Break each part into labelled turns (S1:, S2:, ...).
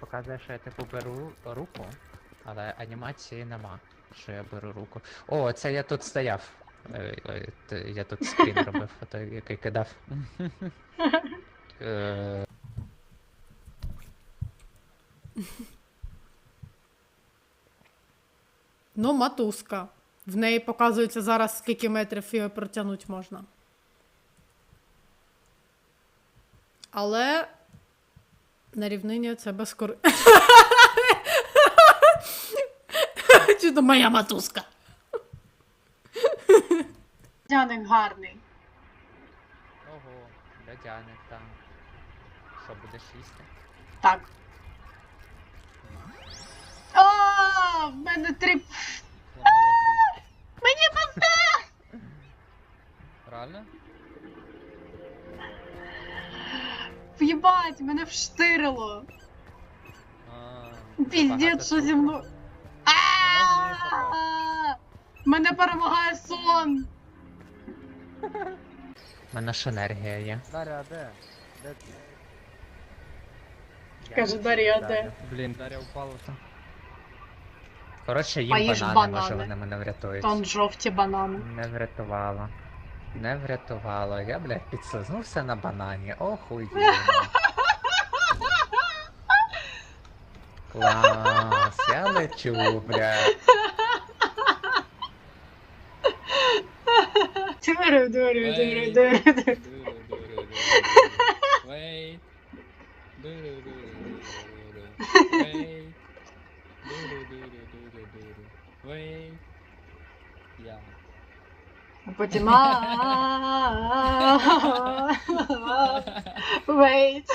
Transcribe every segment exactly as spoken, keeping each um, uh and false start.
S1: показує, що я типу беру руку, але анімації нема, що я беру руку. О, це я тут стояв. Е, е, т- Я тут скрін робив, ото який кидав. Е,
S2: Ну, матузка. В неї показується зараз, скільки метрів її протягнути можна. Але на рівнині це безкор... Чи то моя матузка?
S3: Дяник гарний.
S1: Ого, льодяник там. Що, будеш їсти?
S3: Так. О, в мене три... Мені пизда!
S1: Реально?
S3: В'єбать, мене вштирило. Піздець, що зі мною. А-а-а! Мене перемагає сон.
S1: У мене ж енергія є.
S4: Дар'я, де? Де ти?
S1: Я
S3: Каже,
S1: не
S3: Дар'я,
S1: знаю,
S3: де?
S1: Дар'я.
S4: Блін, Дар'я впала там.
S1: Коротше, їм
S3: Поїж
S1: банани,
S3: банани.
S1: може вони мене врятують.
S3: Там жовті банани.
S1: Не врятувало. Не врятувало. Я, блядь, підслизнувся на банані. Охуєнно. Клас, я лечу, блядь.
S3: Дурю, дурю, дурю, дурю, дурю.
S4: Wait. Wait. Wait. Я.
S3: А потім а-а-а. Wait.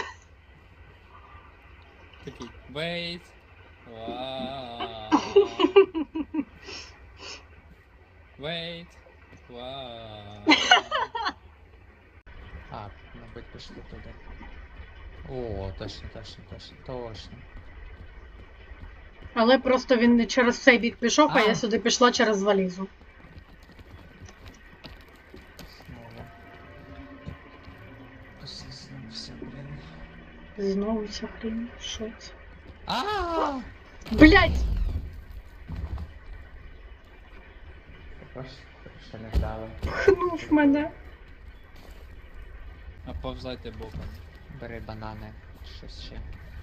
S4: Такий. Wait. Вау. Wait. Вау.
S1: А, мабуть, пішли туди. О, точно, точно, точно, точно.
S3: Але просто він не через цей бік пішов, а
S1: А.
S3: я сюди пішла через валізу.
S1: Знову. Послизнувся, блін.
S3: Знову ця хрінь. Що це?
S1: Ааа!
S3: Блять!
S1: Ще не вдали.
S3: Пхнув мене.
S4: А повзайте боком.
S1: Бери банани, щось ще.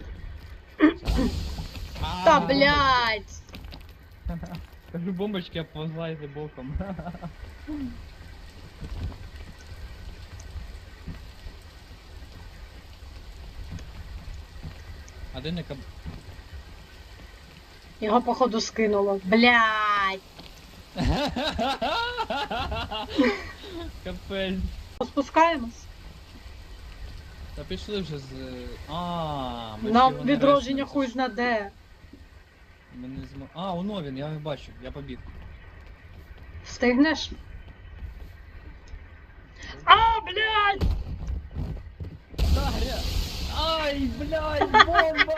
S3: Та блять!
S4: Кажу, бомбочки, а повзайте боком. А де не каб...
S3: Його походу скинуло. Блять!
S4: Капель.
S3: Спускаємось.
S4: Та пішли вже з... А, ми ж
S3: Нам
S4: його не
S3: відродження
S4: рештуємо,
S3: хуй
S4: це ж-
S3: зна де.
S4: Ми не змо... А, воно він, я його бачу, я побіг.
S3: Встигнеш? А, блять!
S4: Дар'я! Ай, блядь, бомба!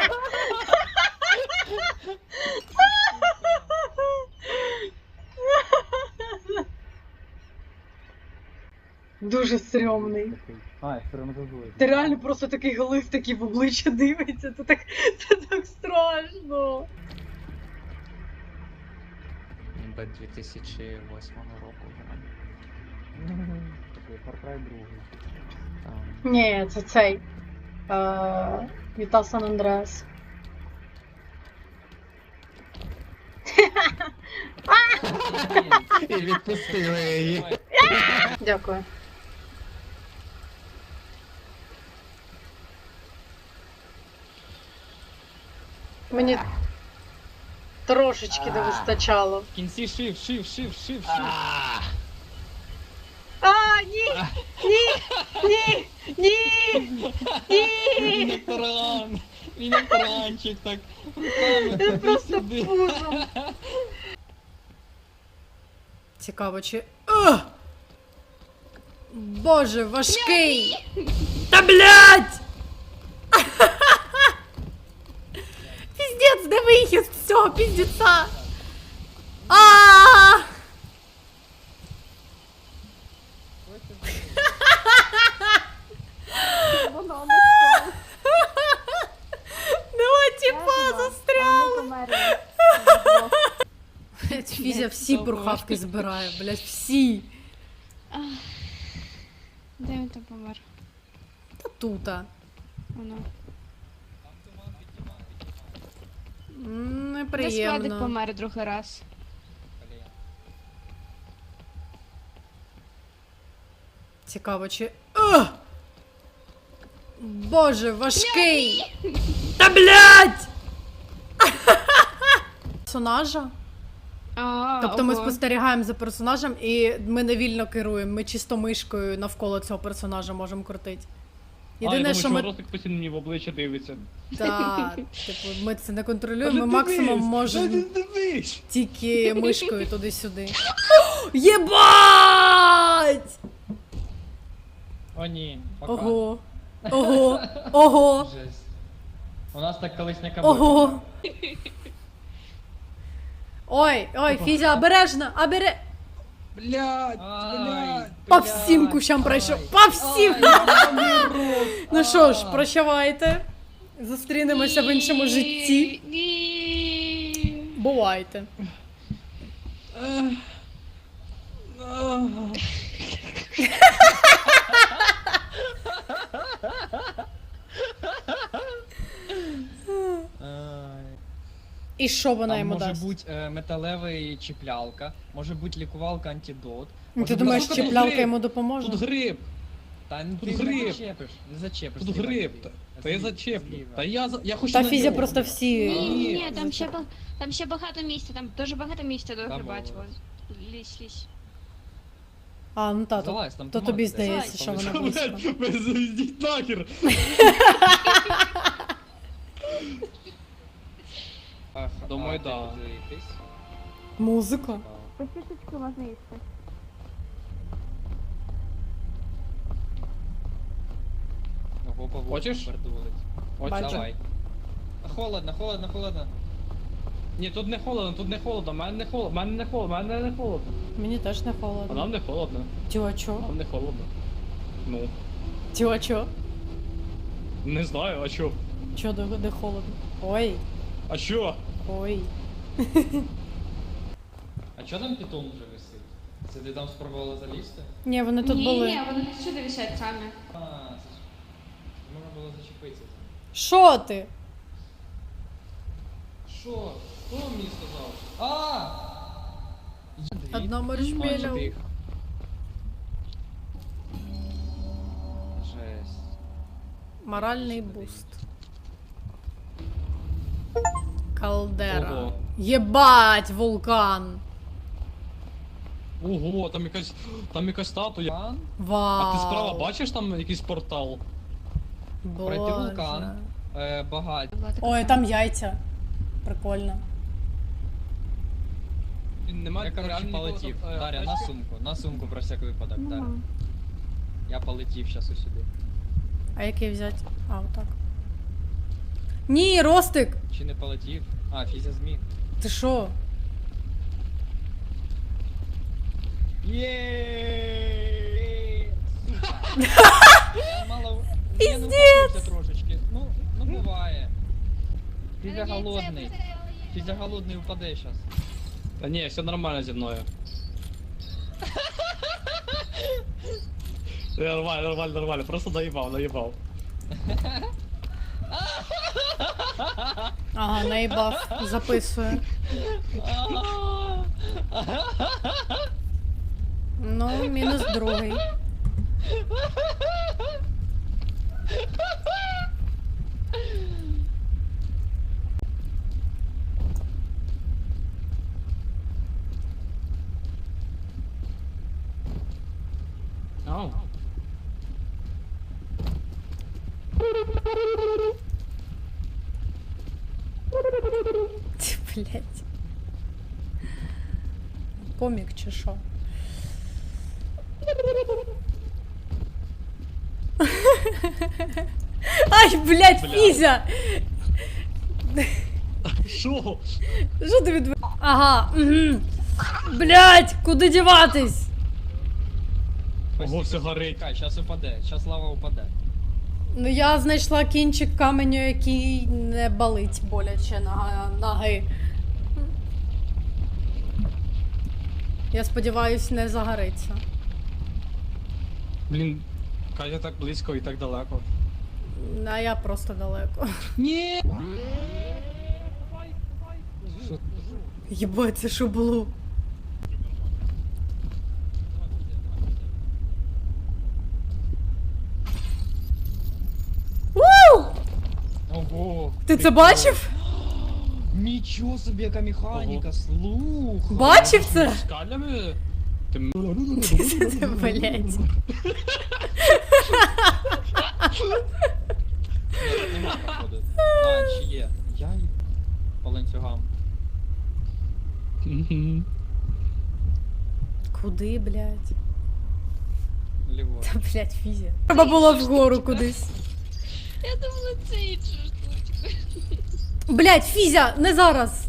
S3: Дуже стрьомний.
S4: Ай, травматизує.
S3: Ти реально просто такий глист, такий в обличчя дивиться. Це так, це так страшно.
S1: Ніби дві тисячі восьмого року граю.
S4: Такий Far Cry другий.
S1: Там.
S3: Ні, це цей. Е, Віта Сан Андреас.
S1: І відпустили її.
S3: Дякую. Мені трошечки не вистачало.
S4: В кінці шив, шив, шив, шив, шив.
S3: А, ні! Ні! Ні! Ні! Ні!
S4: Міні-таран! Міні-таранчик так руками
S3: Це просто
S4: туди-сюди.
S3: пузом.
S2: Цікаво, чи... Ugh! Боже, важкий! Та блядь! Піздець, де вихід з цього піздеця? А! Нема Фізя всі бурхавки збирає, блядь, всі.
S5: Де він там помер?
S2: Та тута.
S5: Воно.
S2: М,
S5: Де складик
S2: Неприємно.
S5: помер другий раз.
S2: Цікаво, чи. О! Боже, важкий! Та блядь! Персонажа?
S5: А,
S2: Тобто ми
S5: ого.
S2: спостерігаємо за персонажем і ми не вільно керуємо. Ми чисто мишкою навколо цього персонажа можемо крутити. Єдине, що ми.
S4: Ростик постійно мені в обличчя дивиться.
S2: Так, типу, ми це не контролюємо, ми максимум можемо
S4: Дивись!
S2: тільки мишкою туди-сюди. Єбать!
S4: О ні, пока.
S2: Ого. Ого. Ого.
S4: Жесть. У нас так колись не
S2: Ого. Ой, ой, Фізя, обережно, обере.
S4: Блядь, блядь.
S2: По всім кущам пройшов. По всім! Ну що ж, прощавайте. Зустрінемося в іншому житті.
S5: Ні.
S2: Бувайте. І що вона
S6: Там
S2: йому
S6: може
S2: дасть?
S6: бути е, металевий чіплялка, може бути лікувалка антидот.
S2: Ну,
S6: може
S2: ти
S6: бути
S2: думаєш,
S6: штука-
S2: чіплялка йому допоможе?
S4: Тут гриб,
S6: Та ну,
S4: тут
S6: ти
S4: гриб.
S6: не зачепиш, не зачепиш.
S4: тут
S6: зліва,
S4: гриб.
S6: зліва.
S4: Та- Та я
S6: Зліва,
S4: зачеплю.
S6: зліва.
S4: Та я за- я хочу
S2: Та
S4: на
S2: Фізя
S4: нього.
S2: просто всі.
S5: Ні, ні, ні,
S2: е,
S5: там ще, ба- там ще багато місця, там дуже багато місця до
S6: Там
S5: грибати.
S6: було.
S5: Лізь, лізь.
S2: А, ну та, то,
S6: Залазь, там
S2: то
S6: команда
S2: тобі
S6: десь.
S2: здається, що вона
S6: Залазь.
S2: близько.
S4: Блядь, ви зайдіть нахер.
S6: Ах,
S4: Думаю,
S6: а,
S4: да.
S6: ти дивитись.
S2: Музика.
S5: Посісочку можна їсти.
S6: Ого, по
S4: Хочеш?
S6: пердулить.
S4: От
S2: Бачу.
S6: Давай. Холодно, холодно, холодно.
S4: Ні, тут не холодно, тут не холодно, в мене не холодно, в мене не холодно, в мене не холодно.
S2: Мені теж не
S4: А
S2: холодно.
S4: нам не холодно,
S2: Тю, а чо?
S4: нам не холодно. Ну,
S2: Тю, а чо?
S4: не знаю, а чо?
S2: Чо, де, де холодно? Ой,
S4: А чо?
S2: ой.
S6: А чо там питон вже висить? Це ти там спробувала залізти?
S2: Ні, вони тут
S5: ні,
S2: були.
S5: ні, вони сюди висять самі.
S6: А, це ж... Можна було зачепитися.
S2: Що ти?
S6: Що? Хто мені сказав? А! Дві.
S2: Одна
S6: А,
S2: маршмеля.
S6: чи тих? Жесть.
S2: Моральний буст. Калдера.
S4: Ого.
S2: Єбать, вулкан.
S4: Ого, там якась, там якась статуя.
S6: Вулкан?
S2: Вау.
S4: А ти справа бачиш там якийсь портал?
S6: Пройти
S2: Боже.
S6: вулкан. Е, багать.
S2: Ой, там яйця. Прикольно.
S4: Немає
S6: Я, короче, полетів. Дар'я, на сумку. На сумку про всяк випадок, Дар'я. Я полетів щас усюди.
S2: А який взяти? А, отак. Ні, Ростик!
S6: Чи не полетів? А, Фізя зміг.
S2: Ти що?
S6: Єеее! Сука! Я мало... Я не впустився трошечки. Ну, ну буває. Фізя голодний. Фізя голодний упаде щас.
S4: Та ні, все нормально зі мною. Нормально, нормально, нормально, просто наїбав, наїбав.
S2: Ага, наїбав. Записує. Ну, мінус другий.
S4: Ау.
S2: Ті, блядь. Комік чи що? Ай, блядь,
S4: Бля.
S2: Фізя!
S4: Що?
S2: Що ти від... Ага, угу. Блядь, куди діватись?
S4: Ого, все горить.
S6: Чекай, щас упаде. Щас лава упаде.
S2: Ну я знайшла кінчик каменю, який не болить боляче на ноги. Я сподіваюсь, не загориться.
S7: Блін, Катя так близько і так далеко.
S2: А я просто далеко.
S7: Ні!
S2: Єбать, це що було? Уу!
S6: Ого!
S2: Ти це бачив?
S6: Нічого собі, яка механіка, слух!
S2: Бачив це?
S7: Скалями? Ти м-
S2: Блять.
S6: Нема походу. А, чи є? Я й по ланцюгам.
S7: Мгм.
S2: Куди, блять?
S6: Ліворуч.
S2: Та блять, фізя. Треба було вгору кудись.
S5: Я думала, це інша штучка.
S2: Блять, фізя, не зараз.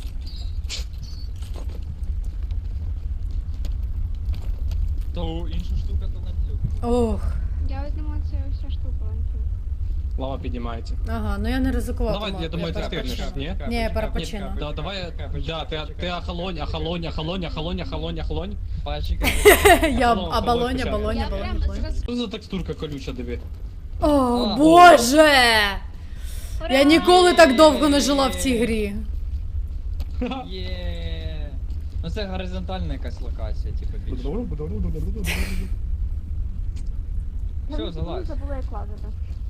S6: То інша штука, то ланцюг.
S2: Ох.
S5: Я ось думала, це вся штука ланцюг.
S7: Лава піднімається.
S2: Ага, ну я не ризикуватиму.
S7: Давай, я думаю, ти встигнеш, ні?
S2: Ні, я перепочину.
S7: Да, давай, да, ти, ти охолонь, охолонь, охолонь, охолонь, охолонь, охолонь.
S6: Пальчик.
S2: Я
S7: Алло,
S2: оболоня,
S7: алло,
S2: оболоня,
S5: Я
S2: оболоня.
S5: прямо
S2: оболоня.
S5: зразу.
S7: Що за текстурка колюча, диви?
S2: О,
S6: А,
S2: боже! Я ніколи так довго не жила в цій грі.
S6: Є. Ну це горизонтальна якась локація, типу більше. Все, залазь.
S5: Забула, як лазити.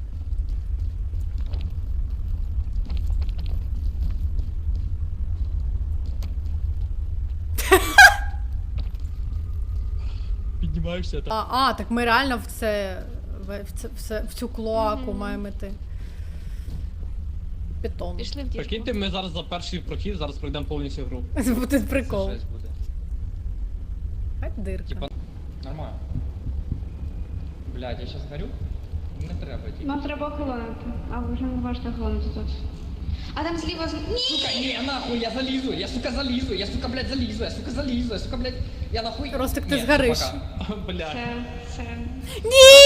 S7: Піднімаєшся
S2: А, а, так ми реально в це. В, в, це, в, це, в цю клоаку
S5: Мгм.
S2: маємо йти. Бетон.
S5: Пішли в діжку.
S7: Прикиньте, ми зараз за перший прохід, зараз пройдемо повністю гру.
S2: Це буде прикол.
S6: Це жесть буде.
S2: Хай дирка.
S6: Типа, нормально. Блядь, я щас горю? Не треба, типа.
S5: Нам треба охолонити. А ви вже не можете охолонити тут. А там зліва з... Ні!
S6: Сука, не, нахуй, я залізу, я, сука, залізу, я, сука, блядь, залізу, я, сука, залізу, я, сука, блядь, я нахуй...
S2: Ростик, ти
S6: Ні,
S2: згориш.
S6: пока.
S7: Бля.
S5: Це... це...
S2: Ні!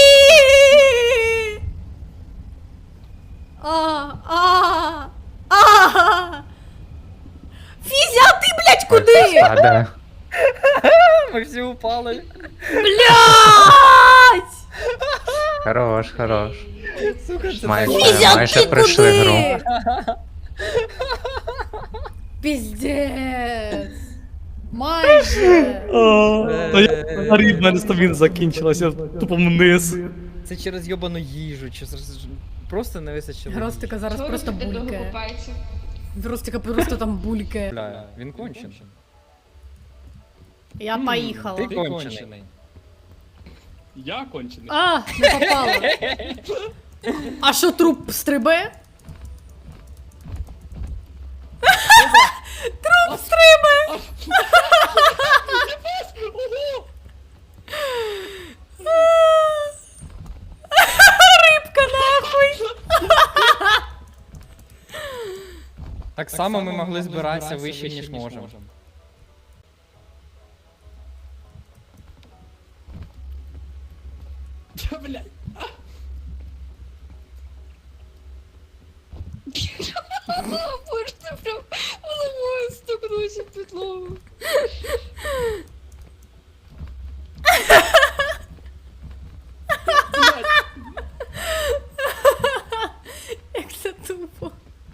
S2: А, а, а. Фізя, а ти, блядь, куди?
S1: Падає.
S6: Ми всі упали.
S2: Блядь!
S1: Хорош, хорош.
S6: Сука, це
S1: Майже,
S2: Фізя,
S1: майже
S2: ти
S1: пройшли
S2: куди?
S1: гру.
S2: Піздець. Майже.
S7: Та я горів, в мене стаміна закінчилася, тупо вниз.
S8: Це через йобану їжу, чи з- просто не вистачило.
S2: Ростика зараз
S5: Хто
S2: просто
S5: робить довго
S2: булькає.
S5: купається?
S2: Ростика просто там булькає.
S8: Бля, він кончений.
S2: Я поїхала.
S8: Ти
S6: Ти
S8: кончений.
S6: кончений.
S7: Я кончений.
S2: А, не попала. А що, труп стрибе? Труп стрибе! Рибка нахуй!
S8: Так само ми могли збиратися вище, ніж можемо.
S7: Блядь.
S5: Боже, ти прям головою стукнувся в підлогу.
S2: Як це тупо.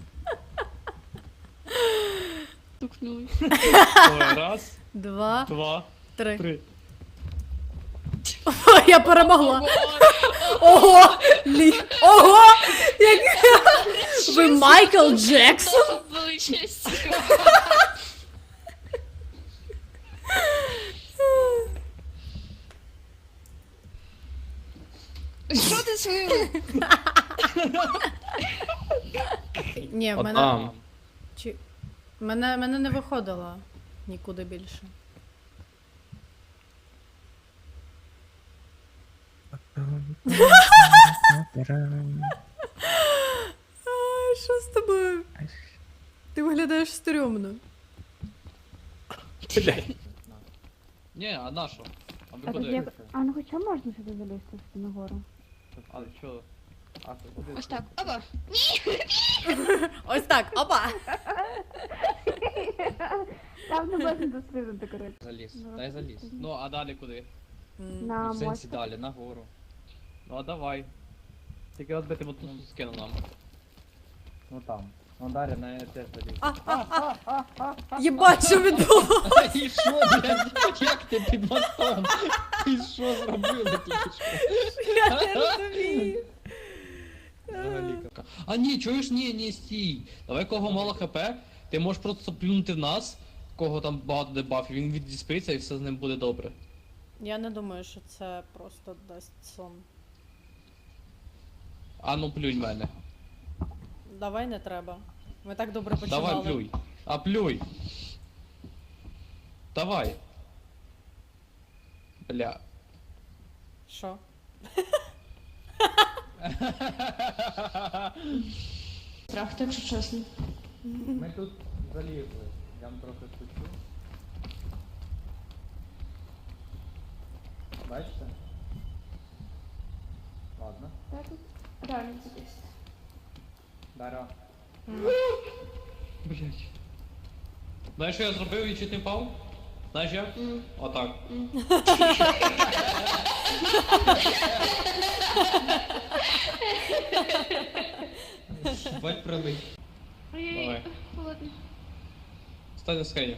S5: Стукнули.
S7: Ой, раз,
S2: Два,
S7: два,
S2: три.
S7: три.
S2: О, я перемогла. Ого! Лі... Ого! Як... Ви Майкл Джексон?
S5: Величезні. Що ти свою?
S2: Ні, в мене...
S7: Адам.
S2: Чи... Мене, мене не виходило нікуди більше. Ай, що з тобою? Ти виглядаєш стрьомно.
S7: Блядь. Ні, а на що? А ви куди?
S5: А ну хоча можна сюди залізти нагору?
S6: Але що? А, ти куди?
S5: Ось так. Опа.
S2: Ось так, опа!
S5: Там не можна дострілити, коротше.
S4: Заліз.
S5: Ну,
S4: Дай заліз.
S6: Ну, а далі куди?
S2: М.
S5: На
S4: В сенсі
S5: мостик.
S4: далі, нагору.
S6: Ну, а давай. Тільки от би ти от тут скинув нам.
S4: Ну там. Ну далі на теж заліз.
S2: Єбать, що відбулося?
S4: І що, блядь? Як ти під мостом? Ти що зробили тільки що?
S2: Я не розумію.
S4: Взагалі.
S6: А ні, чуєш, ні, ні, стій. Давай кого мало хп, ти можеш просто плюнути в нас, кого там багато дебафів, він віддіспиться і все з ним буде добре.
S2: Я не думаю, що це просто дасть сон.
S6: А ну плюнь в мене.
S2: Давай не треба. Ми так добре починали.
S6: Давай плюй. А плюй. Давай. Бля.
S2: Що?
S5: Страх, так що чесно.
S4: Ми тут залізли. Я вам трохи шучу. Бачите? Ладно.
S5: Так тут реально десь.
S4: Даро.
S6: Блять. Знаєш, що я зробив і чуть не впав? Знаєш як?
S5: М.
S6: Отак.
S4: Бать прилип.
S5: Ой-ой-ой,
S6: Давай.
S5: холодно.
S6: Стань на схені.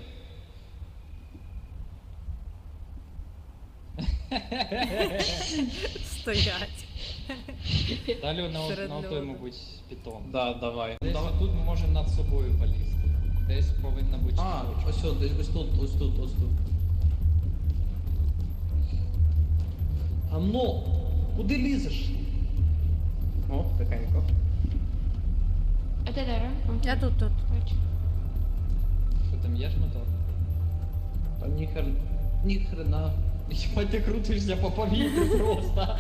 S2: Стоять.
S4: Далі на,
S2: Серед
S4: на той,
S2: льоду.
S4: мабуть, питон.
S6: Да, давай.
S4: Десь
S6: Давай.
S4: тут ми можемо над собою полізти. Десь повинна бути
S6: А,
S4: штучка.
S6: ось тут, ось тут, ось тут, ось тут. А ну, куди лізеш? О, тихенько.
S5: А де Дара? О,
S2: Я тут, тут.
S5: бачу.
S4: Що там є ж мотор?
S6: Та ніхер... ніхрена.
S4: Єбать, ти крутишся по повітрю просто.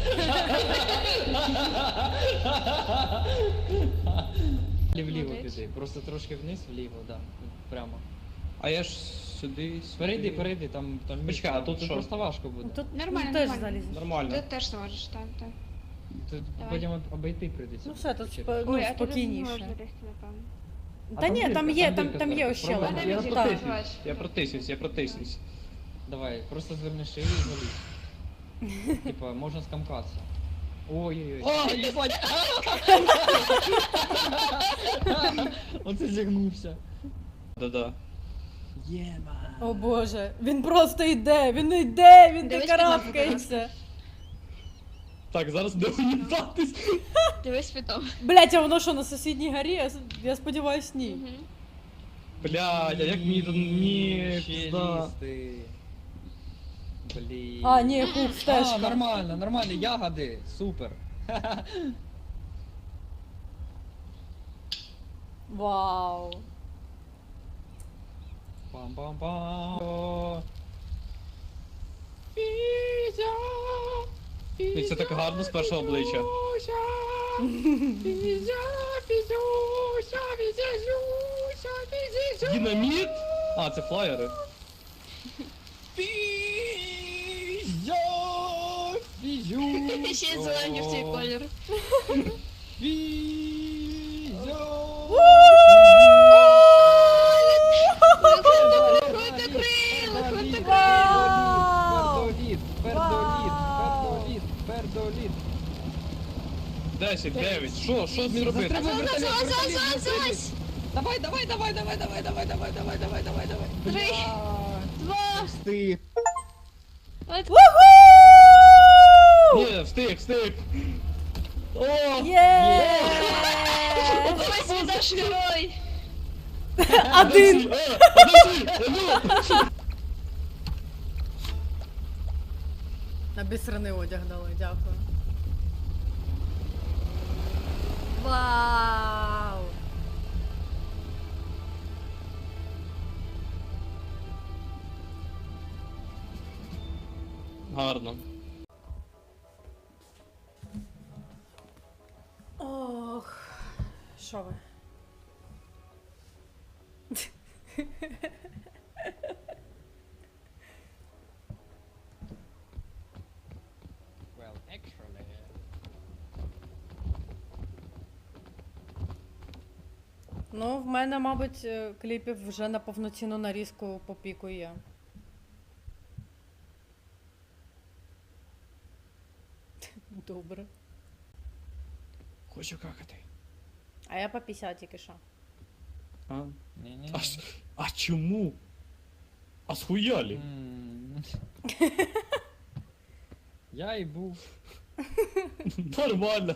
S4: Вліво
S5: Молодець.
S4: піди, просто трошки вниз, вліво, да. Прямо.
S6: А я ж сюди... сюди.
S4: Перейди, перейди, там, там
S6: Почекай, а тут
S4: тут
S6: що?
S4: просто важко буде.
S2: Тут
S5: Нормально,
S2: ну, теж
S5: нормально.
S2: залізеш.
S6: Нормально.
S5: Ти теж зможеш, так, так.
S4: Тут
S5: Давай.
S4: потім обійти прийдеться.
S2: Ну все, тут
S4: Через-
S2: спо- ну,
S5: Ой, а ти не
S2: спокійніше.
S5: зможеш залізти, напевно.
S2: Та
S4: там
S2: ні,
S4: дирка,
S2: там
S4: там
S2: є, там,
S4: дирка
S2: там є
S4: зверху.
S2: ощелина.
S5: Пробуй.
S6: Я
S5: Так.
S6: протиснусь, я протиснусь, я протиснусь.
S4: Давай, просто зверни шию і залізь. Типа, можна скамкатися. Ой-ой-ой.
S6: О, єбать!
S4: Оце зігнувся.
S6: Да-да.
S4: Єба.
S2: О боже, він просто йде, він не йде, він
S5: Дивись
S2: не
S5: під лампу,
S2: карабкається.
S6: Так, зараз де уїбатись.
S5: Дивись світом.
S2: Блять, а воно що, на сусідній горі? Я, с- я сподіваюсь, ні.
S5: Мгм.
S6: Блядь, а як мені тут... Ні,
S4: Ще
S6: пізда.
S4: лізти. Блін.
S2: А, ні, хух,
S4: А,
S2: стежка.
S4: нормально, нормально, ягоди, супер.
S2: Вау.
S4: Пам-пам-пам.
S6: І це так гарно з першого обличчя. Динаміт? А, це флаєри.
S5: Ще й зелені в цей колір. Виходьте крила, виходьте
S2: Вау!
S4: Пердоліт, пердоліт, пердоліт, пердоліт.
S6: десять, дев'ять. Що? Що мені робити?
S4: Затримай вертоліт,
S5: Зась,
S4: вертоліт,
S5: зась,
S4: вертоліт.
S5: зась!
S4: Давай, давай, давай, давай, давай, давай, давай, давай, давай, давай, давай.
S5: Три, два,
S4: Встиг.
S5: от.
S6: Ні, встиг, встиг. О!
S2: Є!
S5: Ось він наш герой!
S2: Один!
S6: Е, подожди, ну!
S2: Обісраний одяг дали, дякую. Вау!
S6: Гарно.
S2: Ох, що ви?
S4: Well, actually.
S2: Ну, в мене, мабуть, е, кліпів вже на повноцінну нарізку по піку є. Добре.
S7: Хочу какати.
S2: А я по п'ятдесят тільки що.
S7: А?
S8: Ні-ні.
S7: А, ж- а чому? А схуялі?
S8: М. Я і був.
S7: Нормально.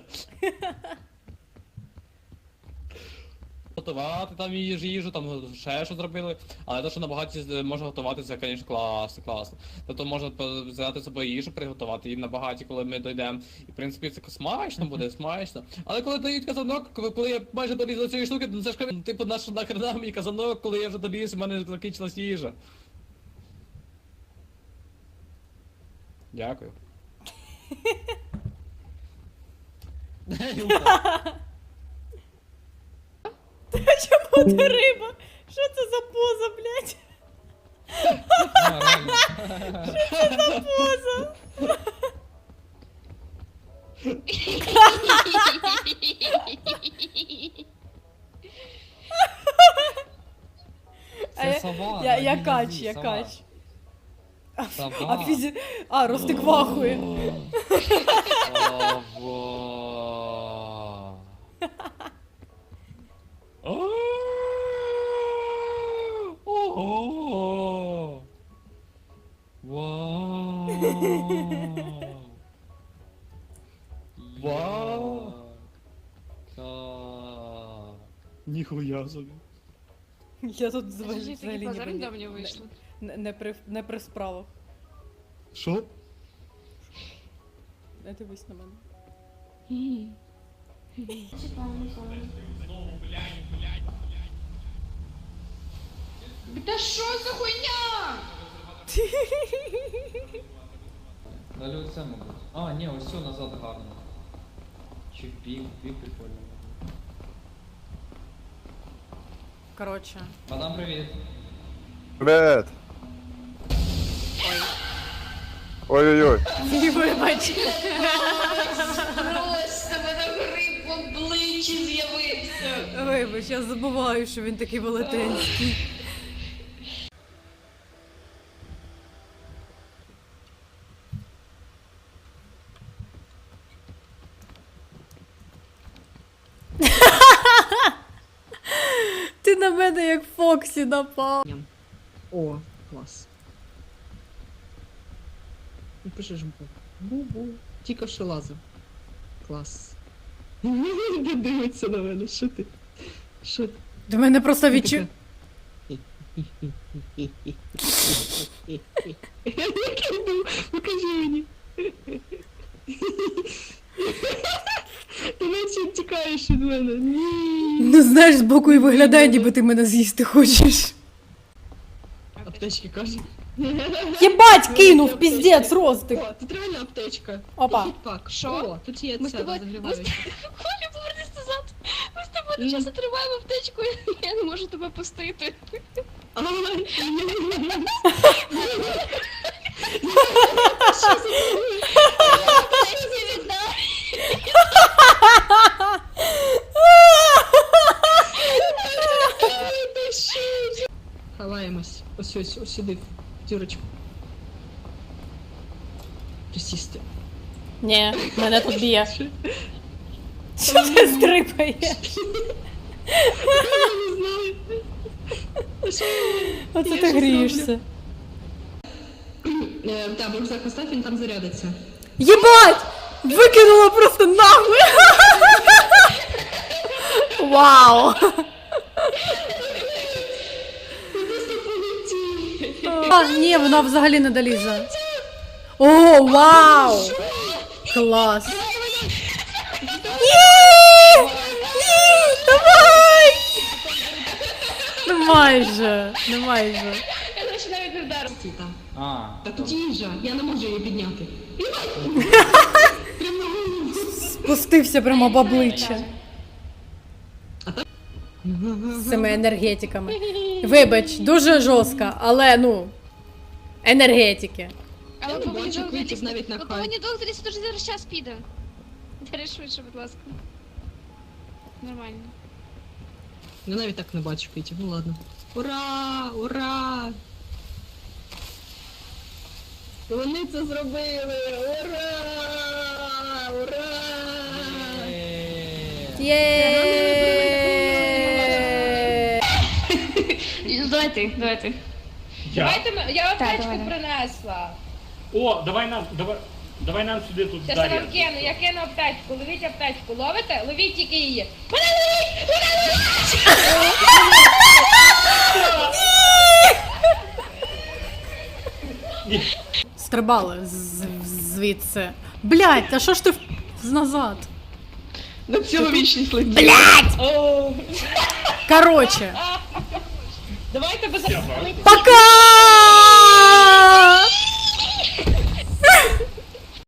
S7: Готувати там їжу, їжу, там ще що зробили. Але те, що на багаті з- можна готувати, це, звісно, класно, класно. Тобто можна по- взяти з собою їжу, приготувати її на багаті, коли ми дійдемо. І, в принципі, це смачно буде, смачно. Але коли дають казанок, коли, коли я майже доліз до цієї штуки, то це ж кажу, типу, наш нахрена мені казанок, коли я вже доліз, в мене закінчилась їжа. Дякую.
S2: Чому ти риба? Що це за поза, блядь?
S8: А, реально.
S2: Поза. А
S8: Це
S2: я-
S8: сова.
S2: Я,
S8: на
S2: я
S8: ній
S2: кач,
S8: нозі,
S2: я
S8: сова.
S2: кач.
S8: Сова.
S2: А фізі... А, Ростик вахує.
S7: Ова. Ого. Вау. Вау.
S8: Так.
S7: Ніхуя собі.
S2: Я тут взагалі
S5: Скажи, такий
S2: взагалі
S5: базар
S2: ніби
S5: недавно
S2: не,
S5: вийшло.
S2: не, не, при, не при справах.
S7: Що?
S2: Не дивись на мене.
S5: Та що за хуйня?
S8: Далі оце, мабуть. А, ні, ось все назад гарно. Чи в бік, в бік прикольно.
S2: Коротше.
S8: Мадам, привіт.
S9: Привет! Ой-ой-ой.
S2: Вибач.
S5: Просто мене гриб в обличчі з'явився.
S2: Вибач, я забуваю, що він такий велетенський. Ти на мене як Фоксі напав.
S3: О, клас. Ну, пишеш бу. Бу-бу. Тільки що лазив. Клас. Не дивиться на мене, що ти? Що ти?
S2: До мене просто відчу...
S3: Який був? Покажи мені. Ти наче тікаєш від мене. Ні.
S2: Ну знаєш, збоку і виглядає, ніби ти мене з'їсти хочеш.
S3: Аптечки каже.
S2: Єбать, кинув, піздець, Ростик.
S3: О, тут реально аптечка.
S2: Опа.
S3: Хітпак.
S5: Що?
S3: О, тут є
S5: Ми з
S3: це
S5: тобою-
S3: розігріваюче.
S5: Коля, повернись назад. Ми з тобою часто тримаємо аптечку, я не можу тебе пустити.
S3: А,
S5: Аптечки віддай.
S3: Ховаємось. Ось ось, ось сюди, в дірочку. Присісти.
S2: Ні, мене тут б'є. Що ти стрипаєш?
S3: Я не знаю. Що?
S2: Оце
S3: Я
S2: ти
S3: щось
S2: грієшся.
S3: Е, Так, рюкзак постав, він там зарядиться.
S2: Єбать! Викинула просто нахуй! Вау! А, ні, вона взагалі не долізе. О, вау! Клас! Ні! Ні! Давай! Ну майже, ну майже.
S5: Я починаю відповідати.
S3: Стій там.
S8: А,
S3: Та тут їжа, я не можу її підняти. Прямо на голову.
S2: Спустився прямо в обличчя. З цими енергетиками. Вибач, дуже жорстко, але ну. Енергетики.
S5: Але
S3: Я не
S5: повинні
S3: бачу
S5: довго
S3: квітів
S5: лізти.
S3: навіть на
S5: Ви
S3: хай.
S5: повинні довго лізти, тож зараз час піде. Бери швидше, будь ласка. Нормально.
S3: Я навіть так не бачу, Петя, ну ладно. Ура! Ура! Вони це зробили! Ура! Ура!
S2: Є!
S5: Давай ти, давай ти.
S10: Давайте ми- я
S5: Так,
S10: аптечку
S5: давай, давай.
S10: принесла.
S11: О, давай нам, давай, давай нам сюди тут
S10: Зараз я
S11: Дар'я.
S10: вам кину, я кину аптечку. Ловіть аптечку. Ловите? Ловіть тільки її. Мене
S2: Стрибали з- звідси. Блять, та що ж ти в- назад?
S3: На цілу вічність летить.
S2: Блять!
S10: О,
S2: Короче,
S10: давайте без...
S2: пока!